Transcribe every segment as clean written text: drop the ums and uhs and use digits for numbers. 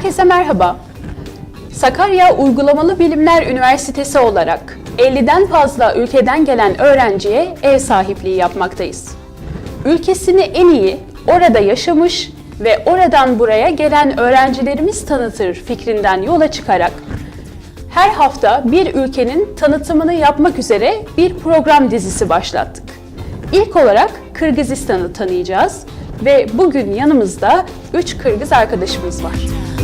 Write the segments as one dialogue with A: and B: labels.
A: Herkese merhaba. Sakarya Uygulamalı Bilimler Üniversitesi olarak 50'den fazla ülkeden gelen öğrenciye ev sahipliği yapmaktayız. Ülkesini en iyi orada yaşamış ve oradan buraya gelen öğrencilerimiz tanıtır fikrinden yola çıkarak her hafta bir ülkenin tanıtımını yapmak üzere bir program dizisi başlattık. İlk olarak Kırgızistan'ı tanıyacağız ve bugün yanımızda 3 Kırgız arkadaşımız var.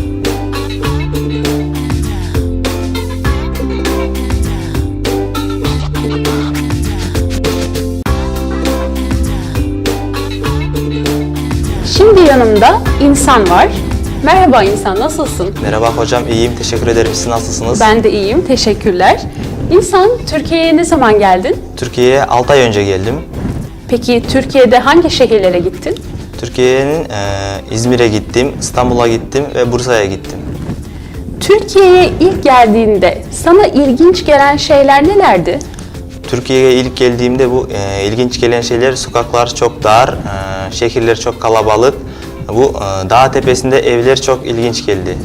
A: Şimdi yanımda İnsan var. Merhaba İnsan, nasılsın?
B: Merhaba hocam, iyiyim. Teşekkür ederim. Siz nasılsınız?
A: Ben de iyiyim, teşekkürler. İnsan, Türkiye'ye ne zaman geldin?
B: Türkiye'ye 6 ay önce geldim.
A: Peki Türkiye'de hangi şehirlere gittin?
B: Türkiye'nin İzmir'e gittim, İstanbul'a gittim ve Bursa'ya gittim.
A: Türkiye'ye ilk geldiğinde sana ilginç gelen şeyler nelerdi?
B: Türkiye'ye ilk geldiğimde bu ilginç gelen şeyler, sokaklar çok dar, şehirler çok kalabalık. Bu dağ tepesinde evler çok ilginç geldi.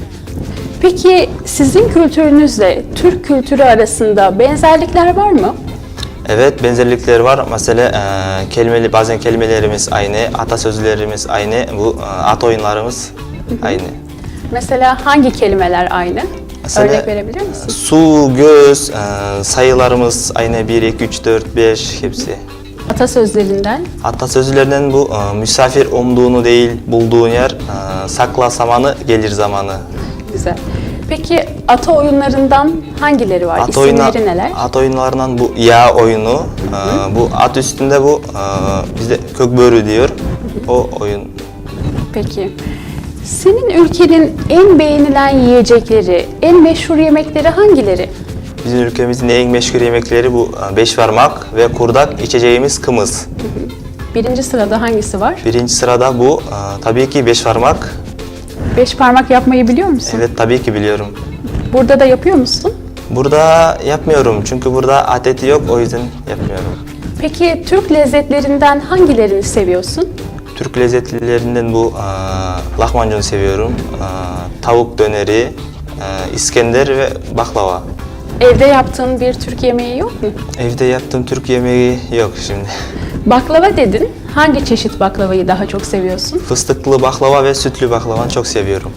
A: Peki sizin kültürünüzle Türk kültürü arasında benzerlikler var mı?
B: Evet, benzerlikler var. Mesela bazen kelimelerimiz aynı, atasözlerimiz aynı, bu at oyunlarımız aynı.
A: Mesela hangi kelimeler aynı?
B: Mesela,
A: örnek verebilir misin?
B: Su, göz, sayılarımız aynı, 1, 2, 3, 4, 5 hepsi.
A: Atasözlerinden?
B: Atasözlerinden bu misafir umduğunu değil, bulduğun yer, sakla samanı, gelir zamanı.
A: Güzel. Peki ata oyunlarından hangileri var? İsimleri neler?
B: At oyunlarından bu yağ oyunu, bu at üstünde bu bizde kökbörü diyor, o oyun.
A: Peki. Senin ülkenin en beğenilen yiyecekleri, en meşhur yemekleri hangileri?
B: Bizim ülkemizin en meşhur yemekleri bu beşparmak ve kurdak, içeceğimiz kımız.
A: Birinci sırada hangisi var?
B: Birinci sırada bu tabii ki beşparmak.
A: Beş parmak yapmayı biliyor musun?
B: Evet, tabii ki biliyorum.
A: Burada da yapıyor musun?
B: Burada yapmıyorum çünkü burada adet yok, o yüzden yapmıyorum.
A: Peki Türk lezzetlerinden hangilerini seviyorsun?
B: Türk lezzetlerinden bu lahmacun seviyorum, tavuk döneri, İskender ve baklava.
A: Evde yaptığın bir Türk yemeği yok mu?
B: Evde yaptığım Türk yemeği yok şimdi.
A: Baklava dedin. Hangi çeşit baklavayı daha çok seviyorsun?
B: Fıstıklı baklava ve sütlü baklavanı çok seviyorum.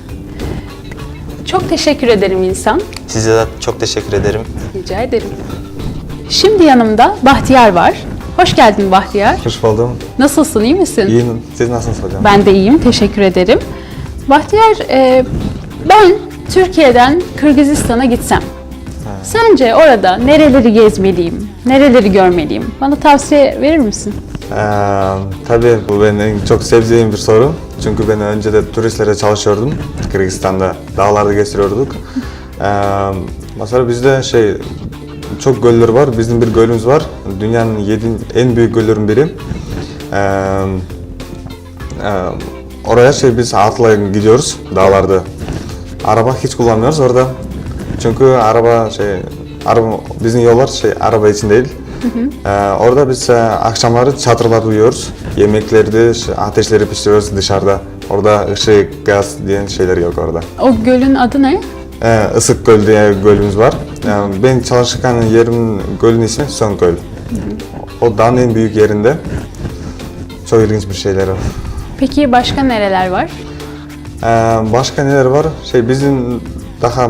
A: Çok teşekkür ederim İnsan.
B: Size de çok teşekkür ederim.
A: Rica ederim. Şimdi yanımda Bahtiyar var. Hoş geldin Bahtiyar.
C: Hoş buldum.
A: Nasılsın, iyi misin?
C: İyiyim. Siz nasılsınız hocam?
A: Ben de iyiyim, teşekkür ederim. Bahtiyar, ben Türkiye'den Kırgızistan'a gitsem, sence orada nereleri gezmeliyim, nereleri görmeliyim? Bana tavsiye verir misin?
C: Tabii bu benim en çok sevdiğim bir soru. Çünkü ben önce de turistlere çalışıyordum. Kırgızistan'da dağlarda geziyorduk. Mesela bizde çok göller var. Bizim bir gölümüz var. Dünyanın 7 en büyük göllerin biri. Oraya biz atla gidiyoruz dağlarda. Araba hiç kullanmıyoruz orada. Çünkü araba bizim yollar araba için değil. Orada biz akşamları çadırlarda uyuyoruz. Yemekleri ateşleri pişiriyoruz dışarıda. Orada ışık, gaz diye şeyler yok orada.
A: O gölün adı ne?
C: Isık Göl diye gölümüz var. Ben çalışırken yerin gölün ismi Söngöl. O dağın en büyük yerinde. Çok ilginç bir şeyler var.
A: Peki başka nereler var?
C: Başka neler var? Bizim daha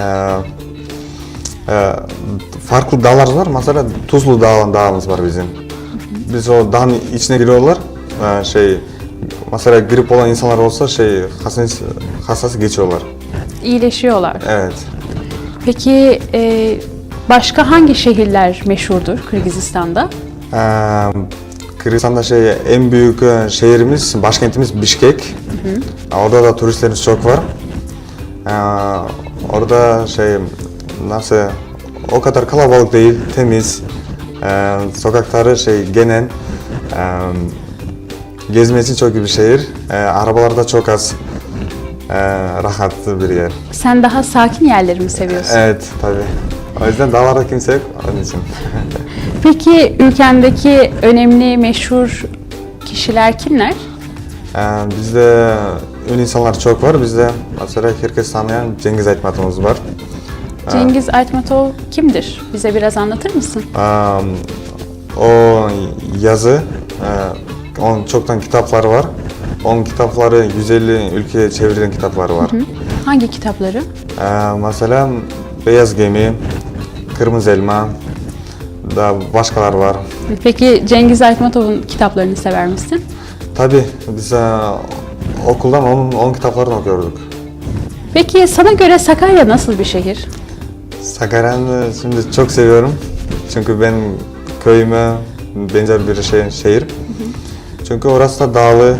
C: farklı dağlar var. Mesela Tuzlu dağımız var bizim. Biz o dağın içine giriyorlar. Mesela grip olan insanlar olsa hassas geçiyorlar.
A: İyileşiyorlar.
C: Evet.
A: Peki başka hangi şehirler meşhurdur Kırgızistan'da?
C: Kırgızistan'da en büyük şehrimiz, başkentimiz Bişkek. Orada da turistlerimiz çok var. Orada nasıl o kadar kalabalık değil, temiz. Sokakları genel. Gezmesi için çok iyi bir şehir. Arabalar da çok az. Rahatlı bir yer.
A: Sen daha sakin yerleri mi seviyorsun?
C: Evet, tabii. O yüzden dağlarda kimse yok, onun için.
A: Peki ülkendeki önemli, meşhur kişiler kimler?
C: Bizde ünlü insanlar çok var. Bizde mesela herkes tanıyan Cengiz Aytmatov'umuz var.
A: Cengiz Aytmatov kimdir? Bize biraz anlatır mısın?
C: O yazı, onun çoktan kitapları var. Onun kitapları 150 ülkeye çevrilen kitapları var.
A: Hangi kitapları?
C: Mesela Beyaz Gemi, Kırmızı Elma, da başkalar var.
A: Peki Cengiz Aytmatov'un kitaplarını sever misin?
C: Tabii biz okuldan onun kitaplarını okuyorduk.
A: Peki sana göre Sakarya nasıl bir şehir?
C: Sakarya'nı şimdi çok seviyorum. Çünkü ben köyüme benzer bir şehir. Çünkü orası da dağlı,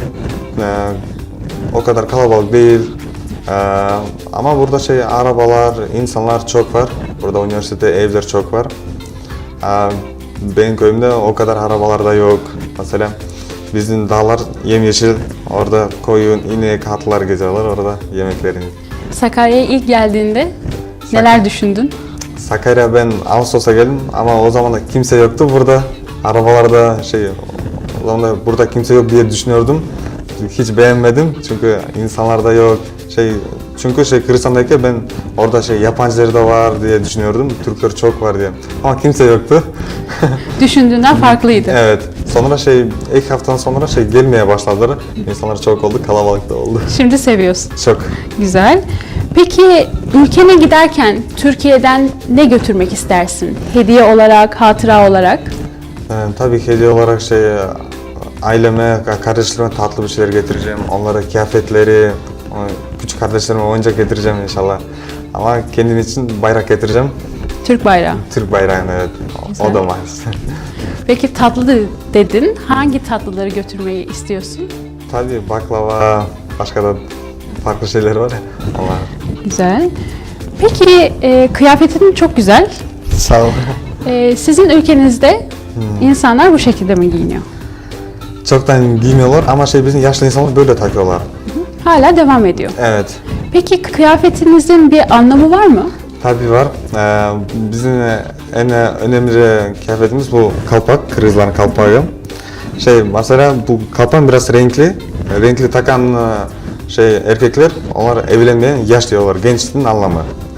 C: o kadar kalabalık değil. Ama burada arabalar, insanlar çok var. Burada üniversite, evler çok var. Benim köyümde o kadar arabalar da yok. Mesela bizim dağlar yemyeşil. Orada koyun, inek, atlar geziyorlar orada yemeklerini.
A: Sakarya'ya ilk geldiğinde neler düşündün?
C: Sakarya ben Ağustos'a geldim ama o zaman da kimse yoktu burada. Arabalarda o zaman da burada kimse yok diye düşünüyordum. Hiç beğenmedim çünkü insanlar da yok. Çünkü Kırgızistan'daki ben orada yabancıları da var diye düşünüyordum. Türkler çok var diye. Ama kimse yoktu.
A: Düşündüğünden farklıydı.
C: Evet. Sonra ilk haftadan sonra gelmeye başladılar. İnsanlar çok oldu, kalabalık da oldu.
A: Şimdi seviyorsun.
C: Çok.
A: Güzel. Peki ülkene giderken Türkiye'den ne götürmek istersin? Hediye olarak, hatıra olarak?
C: Tabii hediye olarak aileme, kardeşlerime tatlı bir şeyler getireceğim. Onlara kıyafetleri, küçük kardeşlerime oyuncak getireceğim inşallah. Ama kendim için bayrak getireceğim.
A: Türk bayrağı.
C: Türk bayrağını, evet.
A: Güzel.
C: O da maalesef.
A: Peki tatlı dedin. Hangi tatlıları götürmeyi istiyorsun?
C: Tabii baklava, başka da farklı şeyler var ya. Onlar.
A: Güzel. Peki kıyafetin çok güzel.
C: Sağ ol.
A: Sizin ülkenizde insanlar bu şekilde mi giyiniyor?
C: Çoktan giymiyorlar ama bizim yaşlı insanlar böyle takıyorlar.
A: Hala devam ediyor.
C: Evet.
A: Peki kıyafetinizin bir anlamı var mı?
C: Tabii var. Bizim en önemli kıyafetimiz bu kalpak, Kırgızların kalpağı. Mesela bu kalpan biraz renkli. Renkli takan erkekler, onlar evlenmeyen yaş diyorlar, gençliğin anlamı.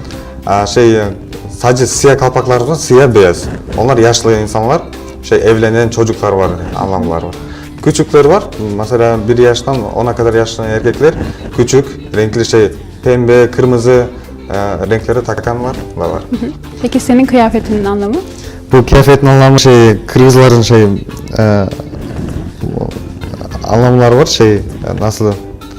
C: Sadece siyah kalpaklar var, siyah beyaz. Onlar yaşlı insanlar, evlenen çocuklar var, anlamlar var. Küçükler var, mesela 1 yaştan 10'a kadar yaşlı erkekler, küçük, renkli pembe, kırmızı renkleri takan var.
A: Peki senin kıyafetinin anlamı?
C: Bu kıyafetin anlamı Kırgızların anlamlar var, nasıl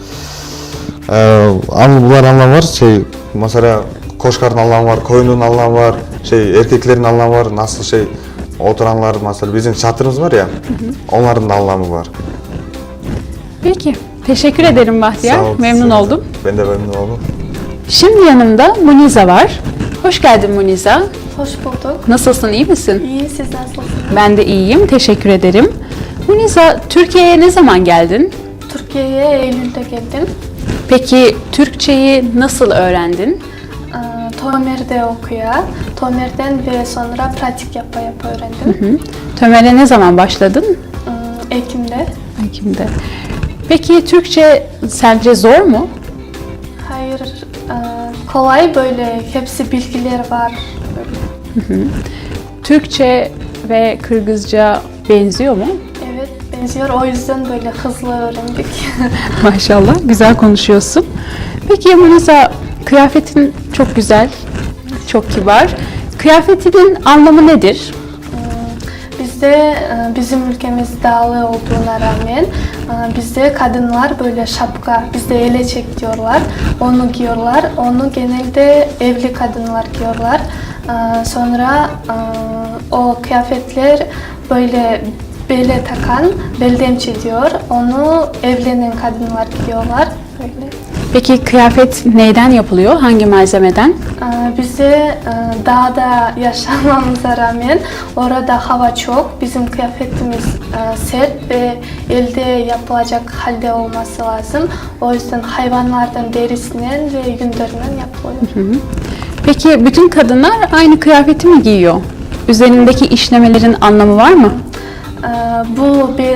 C: bunlar anlam var, mesela koşkarın anlamı var, koyunun anlamı var, erkeklerin anlamı var, nasıl oturanlar, mesela bizim çadırımız var ya, onların da anlamı var.
A: Peki, teşekkür ederim Bahtiyar.
C: Sağ ol,
A: Memnun oldum.
C: Ben de memnun oldum.
A: Şimdi yanımda Muniza var. Hoş geldin Muniza.
D: Hoş bulduk.
A: Nasılsın, iyi misin?
D: İyi, siz nasılsınız?
A: Ben de iyiyim, teşekkür ederim. Muniza, Türkiye'ye ne zaman geldin?
D: Türkiye'ye Eylül'de geldim.
A: Peki Türkçeyi nasıl öğrendin?
D: Tomer'de okuya. Tomer'den ve sonra pratik yapa öğrendim.
A: Tömer'e ne zaman başladın?
D: Ekim'de.
A: Ekim'de. Peki Türkçe sence zor mu?
D: Hayır, kolay böyle hepsi bilgiler var. Böyle.
A: Türkçe ve Kırgızca benziyor mu?
D: Evet, benziyor. O yüzden böyle hızlı öğrendik.
A: Maşallah, güzel konuşuyorsun. Peki Muniza, kıyafetin çok güzel, çok kibar. Kıyafetinin anlamı nedir?
D: Bizde bizim ülkemiz dağlı olduğuna rağmen bizde kadınlar böyle şapka, bizde eleçek diyorlar. Onu giyiyorlar. Onu genelde evli kadınlar giyiyorlar. Sonra o kıyafetler böyle bele takan, beldemçi diyor. Onu evlenen kadınlar giyiyorlar. Böyle.
A: Peki kıyafet neyden yapılıyor? Hangi malzemeden?
D: Bize dağda yaşamamıza rağmen orada hava çok. Bizim kıyafetimiz sert ve elde yapılacak halde olması lazım. O yüzden hayvanlardan derisinden ve yünderinden yapılıyor.
A: Peki bütün kadınlar aynı kıyafeti mi giyiyor? Üzerindeki işlemelerin anlamı var mı?
D: Bu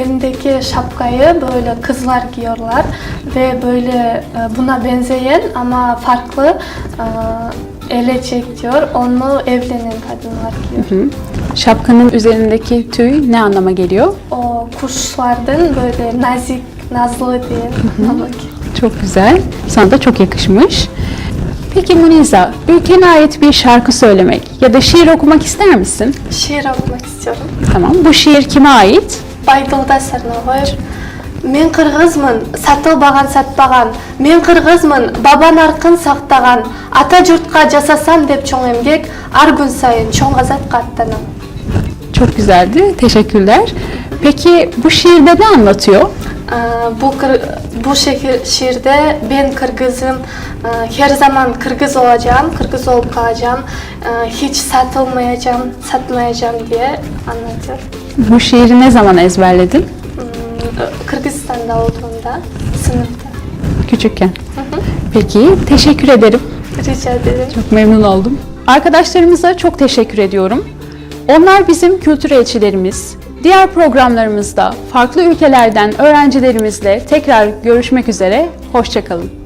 D: elindeki şapkayı böyle kızlar giyiyorlar ve böyle buna benzeyen ama farklı elecek diyor. Onu evlenen kadınlar giyiyor.
A: Şapkanın üzerindeki tüy ne anlama geliyor?
D: O kuşlardan böyle nazik, nazlı diye anlama geliyor.
A: Çok güzel. Sana da çok yakışmış. Peki Muniza, ülkene ait bir şarkı söylemek ya da şiir okumak ister misin?
D: Şiir okumak istiyorum.
A: Tamam. Bu şiir kime ait?
D: Байдылда Сарнағой. Мен қырғызмын, сатылбаған сатпаған. Мен қырғызмын, баба нарқын сақтаған. Ата жұртқа жасасам деп чоң емгек, ар күн сайын чоң азатқа аттанам.
A: Çok güzeldi. Teşekkürler. Peki bu şiirde ne anlatıyor?
D: Bu şiirde ben Kırgızım, her zaman Kırgız olacağım, Kırgız olup kalacağım, hiç satmayacağım diye anlatıyor.
A: Bu şiiri ne zaman ezberledin?
D: Kırgızistan'da olduğumda, sınıfta.
A: Küçükken. Peki, teşekkür ederim.
D: Rica ederim.
A: Çok memnun oldum. Arkadaşlarımıza çok teşekkür ediyorum. Onlar bizim kültür elçilerimiz. Diğer programlarımızda farklı ülkelerden öğrencilerimizle tekrar görüşmek üzere. Hoşça kalın.